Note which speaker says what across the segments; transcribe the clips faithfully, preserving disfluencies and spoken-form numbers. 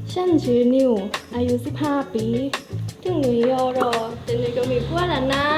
Speaker 1: ฉันชื่อนิวอายุสิบห้าปีถึงหนุ่ยยอรอแต่หนุ่ยก็มีผัวแล้วนะ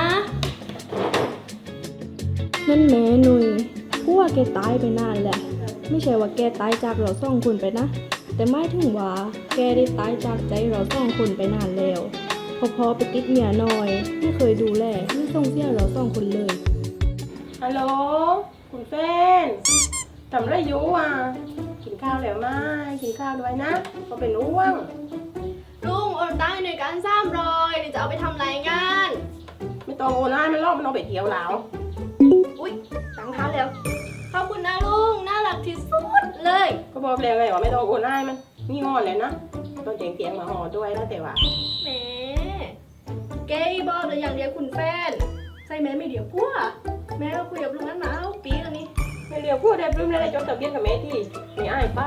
Speaker 1: นั่นแม่หนุ่ยผัวแกตายไปนานแหละไม่ใช่ว่าแกตายจากเราสองคนไปนะแต่ไม่ถึงว่าแกได้ตายจากใจเราสองคนไปนานแล้วพอพอไปติดเมียน้อยไม่เคยดูแลไม่ส่งเสียเราสองคนเลย
Speaker 2: ฮัลโหลคุณแฟนทำไรอยู่อ่ะกินข้าวแล้วไหมกินข้าวด้วยนะก็เป็นอ้วง
Speaker 1: ลุงโอนตังค์ในการสามร้อยเดี๋ยวจะเอาไปทำรายงาน
Speaker 2: ไม่ต้องโอนให้มันรอบมันเอาไปเที่ยวแล้ว
Speaker 1: อุ๊ยตังค์เข้าแล้วขอบคุณนะลุงน่ารักที่สุดเลย
Speaker 2: ก็บอกแล้วไงว่าไม่ต้องโอนให้มันนี่งอนเลยนะต้องเจียงเตียงมาห่อด้วยนะแต่ว่า
Speaker 1: แหมเกย์บอกเลยอย่างเดียวคุณแฟนใส่แม่ไม่เดี๋ยวพัวแม่เราคุยกับลุงนั้นมาเอาปีแล้วนี่
Speaker 2: ไม่เรียวพูดได้ปลื้มได้จดทะเบียนกับแม่ที่มีอ้ายป้า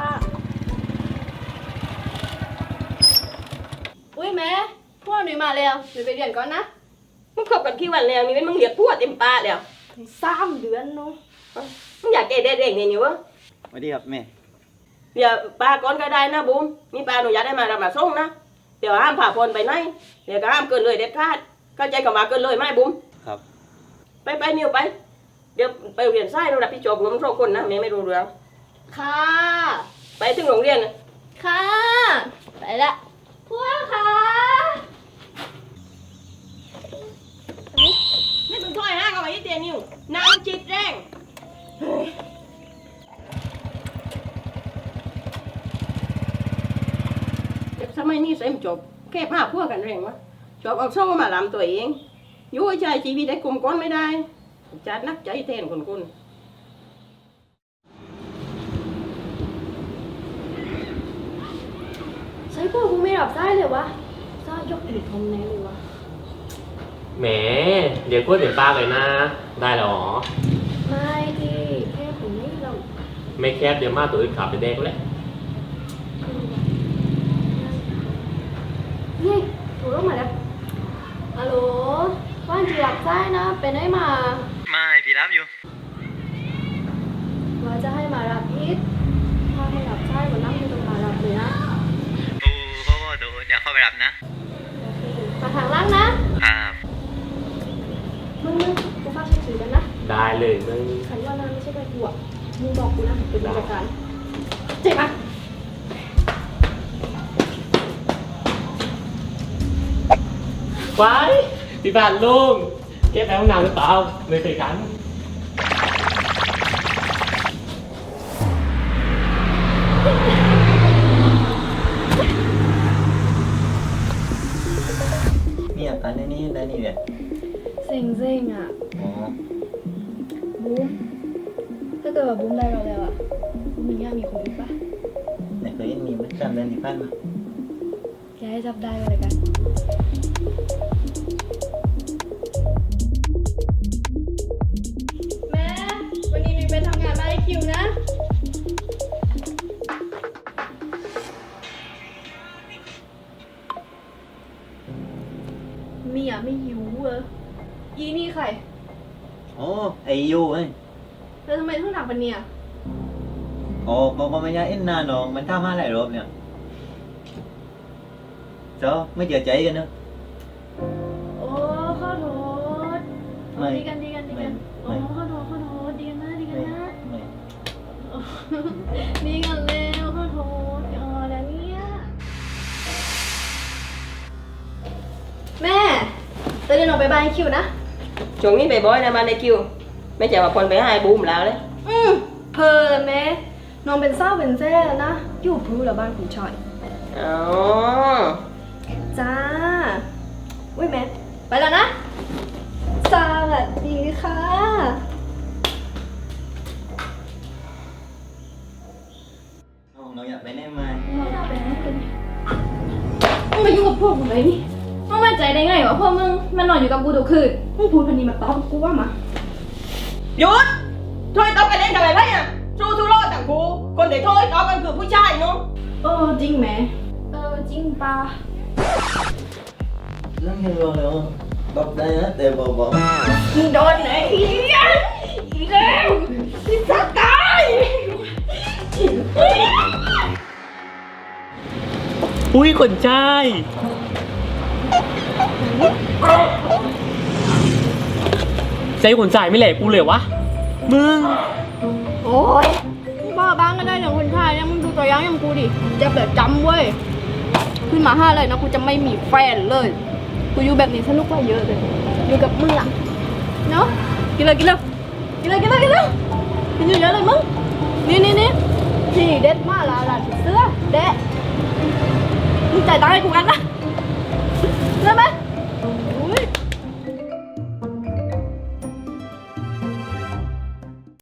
Speaker 1: อุ้ยแม่พ่อหนูมาแล้วหนูไปเรียนก่อนนะ
Speaker 2: มึงคบกันกี่วันแล้วนี่เป็นมึงเรียกพูดเต็มปากแล้ว
Speaker 1: สามเดือนเนาะ
Speaker 2: มึงอยากเกย์ได้เด็กเนี่ยนี่วะ
Speaker 3: สวัสดีครับแม่
Speaker 2: เดี๋ยวป้าก่อนก็ได้นะบุ้มนี่ป้าหนูอยากได้มาเรามาส่งนะเดี๋ยวห้ามผ่าพลไปไหนเดี๋ยวก็ห้ามเกินเลยเด็ดขาดเข้าใจกับมาเกินเลยไหมบุ้ม
Speaker 3: ครับ
Speaker 2: ไปไปนิวไปเดี๋ยวไปเรียนไส้เราดับพี่จบรวมสองคนนะแม่ไม่รู้เรื่อง
Speaker 1: ค่ะ
Speaker 2: ไปถึงโรงเรียน
Speaker 1: ค่ะไปละพ่อค่ะ
Speaker 2: นี่ต้องถ้อยห้างเอาไว้ที่เตียนิวนางจิตแรงเด็กสมัยนี้เซ็มจบแค่ผ้าพวกกันแรงวะจบเอาโซ่มาลำตัวเองยุ่ยใจชีวิตได้กลุ่มก้อนไม่ได้จัดนักใจแทนคนคน
Speaker 1: ใช่พ่อกูไม่รับได้เลยวะซ่ายกถือทอมแน่เลยวะ
Speaker 4: แหมเดี๋ยวกล้วยเดี๋ยวป้าเลยนะได้หรอ
Speaker 1: ไม่ที่แค่ผมไม่เรา
Speaker 4: ไม่แคบเดี๋ยวมาตัวอื่นขับไปแดกแล้ว
Speaker 1: นี่ถูกแล้วมาแล้วฮัลโหลว่านจีรับได้นะเป็นได้มา
Speaker 3: ไม่พี่รับอยู่
Speaker 1: ว่าจะให้มารับพิษถ้าให้รับได้วันนั่งอยู่ตรงมารับเลยนะ
Speaker 3: โอ้พ่อพ่อดูเดี๋ยวเข้าไปรับนะ
Speaker 1: มาทางล่างนะครับมึงมึงกูฝากชื่อกันนะ
Speaker 4: ได้เลยมึง
Speaker 1: ขันว่านั่นไม่ใช่ใบกูอ่ะมึงบอกกูนะเป็นบริการเจ็บปะ
Speaker 4: ไว้พี่บ้านลุงเก็บไปห้องน้ำหรือเปล่าไม่เคยกัน
Speaker 3: เนี่ยอันนี้ได้นี่เนี่ย
Speaker 1: เซ็งเซ็งอ่ะ
Speaker 3: อ๋อ
Speaker 1: บูมถ้าเกิดว่าบูมได้เราแล้วอ่ะบูมมีง่ายมีคนอีกปะ
Speaker 3: ไหนเคยมีมันจำเดือนที่ผ่านมา
Speaker 1: แกให้จับได้ก็เลยกันแม่วันนี้มีไปทำงานมาให้คิวนะมีอ่ะไม่หิวเอออีนี่ใคร
Speaker 3: โอ้ไอยูเอ้ย
Speaker 1: แล้วทำไมต้องหนักปะเนี่ย
Speaker 3: โอ้ก็ก็ไม่ยากเอ็นนานหรอกมันทำมาหลายรอบเนี่ยเจ้าไม่เจอใจกันเนอะ
Speaker 1: โอ้ขอโทษดีกันดีกันดีกันโอ้ขอโทษขอโทษดีกันนะดีกันนะดีกันแล้วขอโทษอ๋อแล้วเนี่ยแม่จะเดินออกไปบ้านคิวนะ
Speaker 2: ช่วงนี้ไปบ่อยนะมาในคิวไม่ใช่ว่าคนไปให้บูมแล้วเลย
Speaker 1: อืมเพลินแม่น้องเป็นเศร้าเป็นแซ่นะอยู่พื้นหรือบ้านคุณชอย
Speaker 2: อ๋อ
Speaker 1: จ้าอุ้ยแม่ไปแล้วนะสวัสดีค่ะ
Speaker 3: น้องน้องอยากไปไหนไหม
Speaker 1: อยากไปไหนกันมึงมายุ่งกับพวกมึงเลยนี่มึงมั่นใจได้ไงวะพวกมึงมันนอนอยู่กับกูทุกคืนมึงพูดพันนี้มาตอบกูว่ามา
Speaker 2: หยุดถ้วยตอบกันเล่นกันอะไรอ่ะสู้ทุโรศต่างกูคนเดี๋ยวถ้วยตอบกันคือผู้ชายเนาะ
Speaker 1: เออจริงไหมเออจริงป่ะ
Speaker 3: เรื่องเฮโร่เลยอ่ะบอกได้นะแต่บอกบอก
Speaker 1: มึงโดนไหนอีกแล้วที่จะตาย
Speaker 4: อุ้ยคนใช่ใจคนใส่ไม่แหลกกูเลยวะ มึง
Speaker 1: โอ้ยบ้าบ้างก็ได้อย่างคนชายเนี่ยมึงดูตัวอย่างอย่างกูดิเจะแบบจำเว้ยขึ้นมาห้าเลยนะกูจะไม่มีแฟนเลยกูอยู่แบบนี้สนุกกว่าเยอะเลยอยู่กับมึงอะเนาะกินเลยกินเลยกินเลยกินเลยกินเลยกินเยอะๆเลยมึงนี่นี่นี่นี่เด็ดมากละละเสื้อเด็ดมึงจ่ายตังค์ให้กูกันนะ